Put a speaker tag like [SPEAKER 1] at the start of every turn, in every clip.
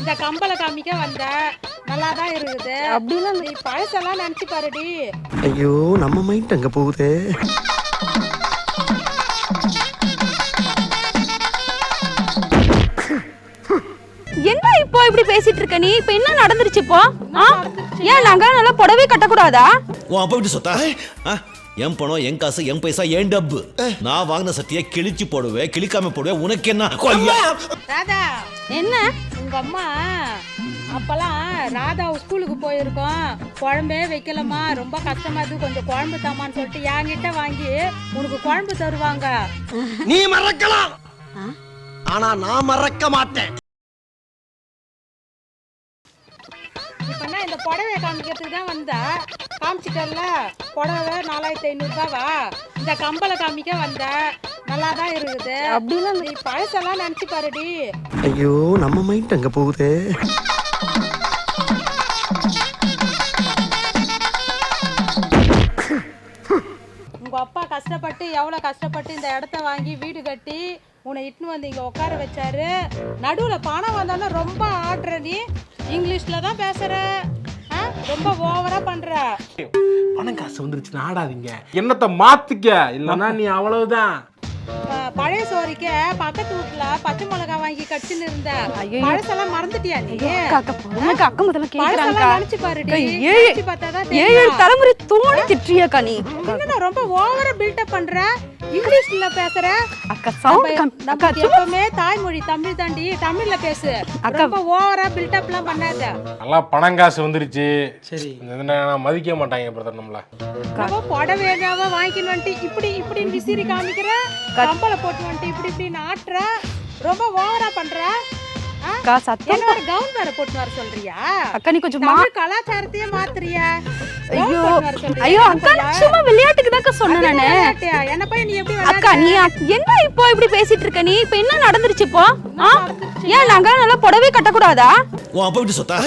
[SPEAKER 1] இந்த கம்பளை காமிக்க வந்த நல்லா தான் இருக்குது.
[SPEAKER 2] அப்படிலாம்
[SPEAKER 1] நீ பழசெல்லாம் நினைச்சு பாருடி.
[SPEAKER 3] ஐயோ நம்ம மைண்ட் அங்க போகுது.
[SPEAKER 2] என்ன இப்போ இப்படி பேசிட்டு இருக்க நீ? இப்போ என்ன நடந்துருச்சு இப்போ? ஏன் நாங்க நல்லா புடவை கட்டக்கூடாதா?
[SPEAKER 4] உன் அப்பா விட்டு சொத்தா என் பணம் என் காசு என் பைசா என் டப்பு. நான் வாங்கின சட்டியை கிழிச்சு போடுவேன், கிழிக்காம போடுவேன். உனக்கு என்ன?
[SPEAKER 1] ராதா,
[SPEAKER 2] என்ன
[SPEAKER 1] உங்க அம்மா அப்பெல்லாம் ராதா ஸ்கூலுக்கு போயிருக்கோம், குழம்பே வைக்கலமா, ரொம்ப கஷ்டமா இருக்கு, கொஞ்சம் குழம்பு தாமான்னு சொல்லிட்டு என்கிட்ட வாங்கி உனக்கு குழம்பு தருவாங்க.
[SPEAKER 3] நீ மறக்கலாம், ஆனா நான் மறக்க மாட்டேன்.
[SPEAKER 1] இப்ப இந்த புடவைய காமிக்கிறதுக்கு தான் வந்தா, காமிச்சிட்டல புடவை 4500 ரூபாவா? இந்த கம்பளை காமிக்க வந்த நல்லா தான் இருக்குது.
[SPEAKER 2] அப்படிலாம்
[SPEAKER 1] நீ பழசெல்லாம் நினைச்சு பாருடி.
[SPEAKER 3] ஐயோ நம்ம மைண்ட் அங்க போகுது.
[SPEAKER 1] உங்க அப்பா கஷ்டப்பட்டு எவ்வளவு கஷ்டப்பட்டு இந்த இடத்த வாங்கி வீடு கட்டி உன்னை இட்டுன்னு வந்து இங்க உட்கார வச்சாரு. நடுவுல பணம் வந்தாலும் ரொம்ப ஆடுற, நீ இங்கிலீஷ்ல தான் பேசுற, ரொம்ப ஓவரா பண்ற.
[SPEAKER 5] பணம் காசு வந்துருச்சு ஆடாதீங்க, என்னத்தை மாத்துக்க, இல்லன்னா நீ அவ்வளவுதான்.
[SPEAKER 1] பழைய சோறிக்க பக்கத்து வீட்டுல பச்சை மிளகா வாங்கி கடிச்சுன்னு இருந்த, பழசெல்லாம் மறந்துட்டியா நீ?
[SPEAKER 2] அக்கம் முதல்ல கேக்குறாங்க,
[SPEAKER 1] நினைச்சு பாருடி.
[SPEAKER 2] ஏழு
[SPEAKER 1] பார்த்தாதான்
[SPEAKER 2] தலைமுறை தோணி திட்டுறியாக்கா நீ?
[SPEAKER 1] என்ன ரொம்ப ஓவரா பில்டப் பண்ற, இங்கிலீஷ்ல பேசுற.
[SPEAKER 2] அக்கா சவுண்ட்
[SPEAKER 1] நம்ம எப்பவுமே தாய்மொழி தமிழ் தாண்டி, தமிழ்ல பேசு. ரொம்ப ஓவரா பில்டப்லாம் பண்ணாத.
[SPEAKER 5] நல்லா பணம் காசு வந்துருச்சு, சரி நான் மதிக்க மாட்டாங்க பிரதர் நம்மள.
[SPEAKER 1] நம்ம புடவையாவ வாங்கின்னு வந்துட்டு இப்படி இப்படி விசிறி காமிக்கிற, கம்பளை போட்டு வந்துட்டு இப்படி இப்படி நாட்டுற, ரொம்ப ஓவரா பண்ற.
[SPEAKER 2] அக்கா சத்தம்
[SPEAKER 1] என்னோட கவுன் வேற போட்டு வர சொல்றியா?
[SPEAKER 2] அக்கா நீ கொஞ்சம்
[SPEAKER 1] தமிழ் கலாச்சாரத்தையே மாத்துறியா?
[SPEAKER 2] ஐயோ ஐயோ அக்கா சும்மா விளையாட்டுக்கு தான் சொன்னேன் நானு.
[SPEAKER 1] என்ன போய் நீ எப்படி
[SPEAKER 2] அக்கா நீ என்ன இப்போ இப்படி பேசிட்டு இருக்க நீ? இப்போ என்ன நடந்துருச்சு இப்போ? ஏன் நாங்க நல்லா புடவை கட்டக்கூடாதா?
[SPEAKER 4] உன் அப்பா விட்டு சொத்தா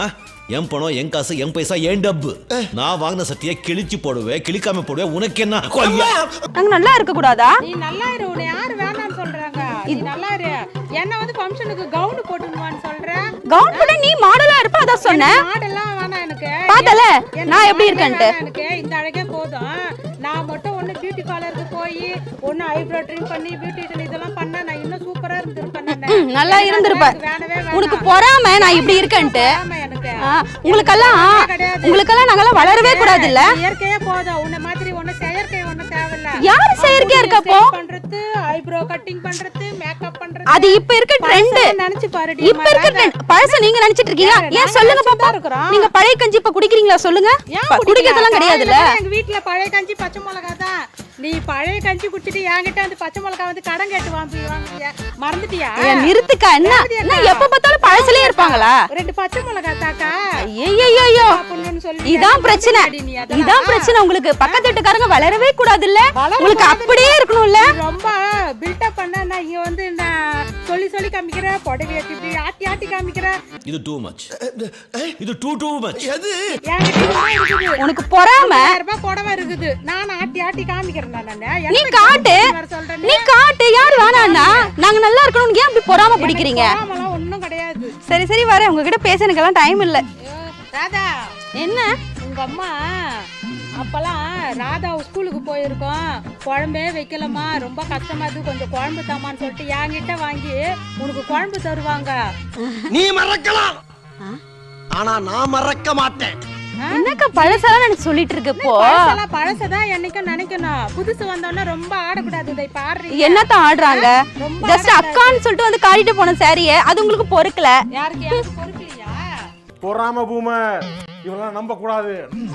[SPEAKER 4] என் பணம் என் காசு என் பைசா என் டப்பு. நான் வாங்கின சட்டியை கிழிச்சு போடுவேன், கிழிக்காம போடுவேன். உனக்கு என்ன?
[SPEAKER 2] நாங்க நல்லா இருக்க கூடாதா?
[SPEAKER 1] நீ நல்லா இரு, உன்னை யாரு வேணாம்னு சொல்றாங்க? நீ நல்லா இரு. என்ன வந்து ஃபங்க்ஷனுக்கு கவுன் போட்டுணுவான்னு சொல்ற?
[SPEAKER 2] கவுன் போட நீ மாடலா இருப்ப, அத சொன்னேன்.
[SPEAKER 1] மாடல்லாம் வேணாம் எனக்கு.
[SPEAKER 2] பாத்தல நான் எப்படி இருக்கேன்ட்டு.
[SPEAKER 1] எனக்கு இந்த அழகே போதும். நான் மட்டும் ஒண்ணு பியூட்டி பார்லருக்கு போய் ஒண்ணு ஐப்ரோ ட்ரிம் பண்ணி பியூட்டிஷியன் இதெல்லாம் பண்ணா நான் இன்னும் சூப்பரா இருந்திருப்பேன். நான்
[SPEAKER 2] நல்லா இருந்திருப்ப. உனக்கு பொறாம நான் இப்படி இருக்கேன்ட்டு.
[SPEAKER 1] எனக்கு
[SPEAKER 2] உங்களுக்கெல்லாம் நாங்கெல்லாம் வளரவே கூடாது இல்ல?
[SPEAKER 1] இயற்கையே போதும். உன்ன மாதிரி ஒண்ணு செயற்கை ஒண்ணு தேவையில்ல.
[SPEAKER 2] யாரு செயற்கையா இருக்கப்போ?
[SPEAKER 1] பண்றது ஐப்ரோ கட்டிங் பண்றது மேக்கப் பண்றது
[SPEAKER 2] அது இப்ப இருக்க ட்ரெண்ட்.
[SPEAKER 1] நினைச்சு பாருடி.
[SPEAKER 2] இப்ப இருக்க ட்ரெண்ட் பழச நீங்க நினைச்சிட்டு இருக்கீங்க. ஏன் சொல்லுங்க பாப்பா, நீங்க பழைய கஞ்சி இப்ப குடிக்கிறீங்களா சொல்லுங்க? குடிக்கிறதெல்லாம் கிடையாதுல்ல.
[SPEAKER 1] எங்க வீட்ல பழைய கஞ்சி பச்சை மிளகா தான். நீ பழைய கஞ்சி குடிச்சிட்டு என்கிட்ட வந்து பச்சை மிளகா வந்து கடன் கேட்டு வாங்குவியா? மறந்துட்டியா?
[SPEAKER 2] நிறுத்துக்கா. என்ன எப்ப பார்த்தாலும் பழசலே இருப்பாங்களா?
[SPEAKER 1] ரெண்டு பச்சை மிளகா தாக்கா.
[SPEAKER 2] ஐயோ இதான் பிரச்சனை, இதான் பிரச்சனை உங்களுக்கு. பக்கத்து வீட்டுக்காரங்க வளரவே கூடாது இல்ல? உங்களுக்கு அப்படியே இருக்கணும்ல?
[SPEAKER 1] ரொம்ப பில்டப் பண்ண நான் இங்க வந்து நான் சொல்லி சொல்லி காமிக்கிற, புடவைய இப்படி ஆட்டி ஆட்டி காமிக்கிற.
[SPEAKER 4] இது டூ மச், இது டூ மச்.
[SPEAKER 3] எது
[SPEAKER 2] உனக்கு பொறாம?
[SPEAKER 1] 1000 ரூபாய் புடவை இருக்குது, நான் ஆட்டி ஆட்டி காமிக்கிறேன்.
[SPEAKER 2] நீ காட்டு, நீ காட்டு. யார் வேணான்னா நாங்க நல்லா இருக்கணும், ஏன் அப்படி பொறாம பிடிக்கிறீங்க?
[SPEAKER 1] ஒண்ணும் கிடையாது.
[SPEAKER 2] சரி சரி வரேன், உங்ககிட்ட பேச எனக்கெல்லாம் டைம் இல்ல.
[SPEAKER 1] ராதா,
[SPEAKER 2] என்ன
[SPEAKER 1] உங்க அம்மா அப்பெல்லாம் ராதா ஸ்கூலுக்கு போயிருக்கோம், குழம்பே வைக்கலமா, ரொம்ப கஷ்டமா இருக்கு, கொஞ்சம் குழம்பு தாமான்னு சொல்லிட்டு என்கிட்ட வாங்கி உனக்கு குழம்பு தருவாங்க.
[SPEAKER 3] நீ மறக்கலாம், ஆனா நான் மறக்க மாட்டேன்.
[SPEAKER 2] என்னக்கா பழசெல்லாம் எனக்கு சொல்லிட்டு இருக்கு இப்போ?
[SPEAKER 1] பழசதான் என்னைக்கும் நினைக்கணும், புதுசு வந்தோன்னா ரொம்ப ஆடக்கூடாது. இதை பாரு,
[SPEAKER 2] என்னத்தான் ஆடுறாங்க? ஜஸ்ட் அக்கான்னு சொல்லிட்டு வந்து காட்டிட்டு போன சாரியை அது உங்களுக்கு பொறுக்கல.
[SPEAKER 1] யாருக்கு பொறுக்கலையா?
[SPEAKER 5] பொறாம பூமர் இவெல்லாம் நம்ப கூடாது.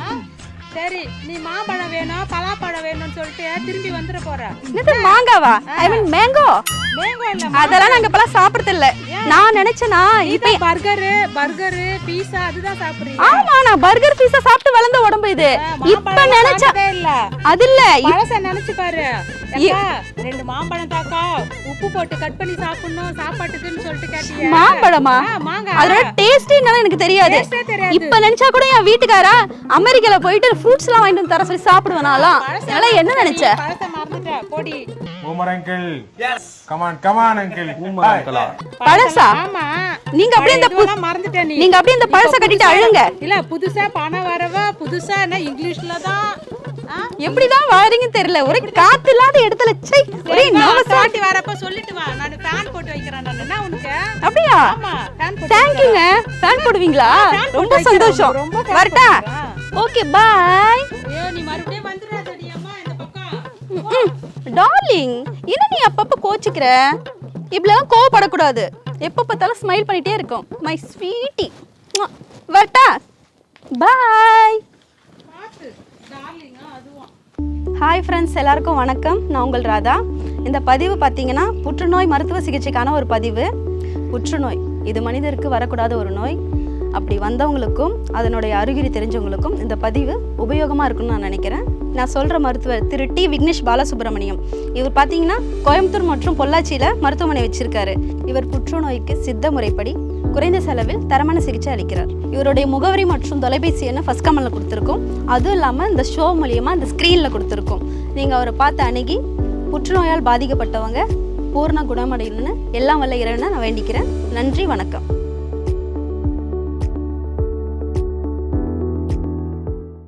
[SPEAKER 1] சரி, நீ மாம்பழம் வேணும் பலாப்பழம் வேணும்னு சொல்லிட்டு திரும்பி வந்துட போற.
[SPEAKER 2] என்னது மாங்காவா? ஐ மீன் மேங்கோ.
[SPEAKER 1] மேங்கோ இல்ல,
[SPEAKER 2] அதெல்லாம் நாங்க இப்பலாம் சாப்பிடுறது இல்ல. நான் நினைச்சேனா
[SPEAKER 1] இப்ப பர்கர் பீஸா அதுதான் சாப்பிடுறீங்க.
[SPEAKER 2] ஆமா, நான் பர்கர் பீஸா சாப்பிட்டு வளர்ந்த உடம்பு இது. இப்ப நினைச்சா
[SPEAKER 1] இல்ல,
[SPEAKER 2] அது இல்ல,
[SPEAKER 1] பழச நினைச்சு பாரு. ஏக்கா, 2 மாம்பழம் தாக்கா, உப்பு போட்டு கட் பண்ணி சாப்பிடணும் சாப்பாட்டுக்குன்னு சொல்லிட்டு கேட்டியா?
[SPEAKER 2] மாம்பழமா?
[SPEAKER 1] மாங்காய்.
[SPEAKER 2] அதோட டேஸ்ட் என்னன்னு எனக்கு தெரியாது.
[SPEAKER 1] Taste ஏ தெரியாது.
[SPEAKER 2] இப்ப நினைச்சா கூட என் வீட்டுக்காரா அமெரிக்கால போயிட்டு ஃப்ரூட்ஸ் எல்லாம் வாங்கிட்டு வந்து தர சொல்லி சாப்பிடுவேன் நான்லாம். அதெல்லாம் என்ன நினைச்ச?
[SPEAKER 1] பழத்தை மறந்துட்ட, போடி.
[SPEAKER 5] Boomer uncle yes come on uncle boomer அங்கிளா
[SPEAKER 2] பழசா?
[SPEAKER 1] ஆமா.
[SPEAKER 2] நீங்க அப்படியே இந்த
[SPEAKER 1] இதெல்லாம் மறந்துட்ட நீ.
[SPEAKER 2] நீங்க அப்படியே இந்த பழசை கட்டிட்டு அழுங்க.
[SPEAKER 1] இல்ல புதுசா பணம் வரவ புதுசா என்ன இங்கிலீஷ்ல தான்.
[SPEAKER 2] எப்படிதான் வாழறீங்கன்னு தெரியல. ஒரே காத்து இல்லாத இடத்துல சை ஒரே நவசா.
[SPEAKER 1] சாட்டி வரப்ப சொல்லிட்டு வா. நான் ஃபேன் போட்டு வைக்கிறேன் நான். என்ன உனக்கு?
[SPEAKER 2] அப்படியா?
[SPEAKER 1] ஆமா, ஃபேன் போட்டு.
[SPEAKER 2] தேங்க்யூங்க. ஃபேன் போடுவீங்களா? ரொம்ப சந்தோஷம். வரட்டா? Okay bye.
[SPEAKER 1] ஐயோ, நீ மறுபடியும் வந்துடாதடி அம்மா இந்த பக்கம்.
[SPEAKER 2] டார்லிங், என்ன நீ அப்பப்ப கோச்சிக்கிற? இப்படிலாம் கோவப்படக்கூடாது. எப்ப பார்த்தாலும் ஸ்மைல் பண்ணிட்டே இருக்கும். My sweetie. வரட்டா? பாய்.
[SPEAKER 1] பாத்து டார்லிங் அதுவும்.
[SPEAKER 2] ஹாய் ஃப்ரெண்ட்ஸ், எல்லாருக்கும் வணக்கம். நான் உங்கள் ராதா. இந்த பதிவு பார்த்தீங்கன்னா புற்றுநோய் மருத்துவ சிகிச்சைக்கான ஒரு பதிவு. புற்றுநோய் இது மனிதருக்கு வரக்கூடாத ஒரு நோய். அப்படி வந்தவங்களுக்கும் அதனுடைய அறிகுறி தெரிஞ்சவங்களுக்கும் இந்த பதிவு உபயோகமாக இருக்குன்னு நான் நினைக்கிறேன். நான் சொல்கிற மருத்துவர் திரு டி விக்னேஷ் பாலசுப்ரமணியம். இவர் பார்த்தீங்கன்னா கோயம்புத்தூர் மற்றும் பொள்ளாச்சியில் மருத்துவமனை வச்சிருக்காரு. இவர் புற்றுநோய்க்கு சித்த முறைப்படி குறைந்த செலவில் தரமான சிகிச்சை அளிக்கிறார். இவருடைய முகவரி மற்றும் தொலைபேசி எண்ணை ஃபர்ஸ்ட் கமெண்ட்ல கொடுத்துருக்கோம். அதுவும் இல்லாமல் இந்த ஷோ மூலியமாக இந்த ஸ்க்ரீனில் கொடுத்துருக்கோம். நீங்கள் அவரை பார்த்து அணுகி புற்றுநோயால் பாதிக்கப்பட்டவங்க பூர்ண குணமடையணும்னு எல்லாம் வல்ல இறைவனை நான் வேண்டிக்கிறேன். நன்றி, வணக்கம்.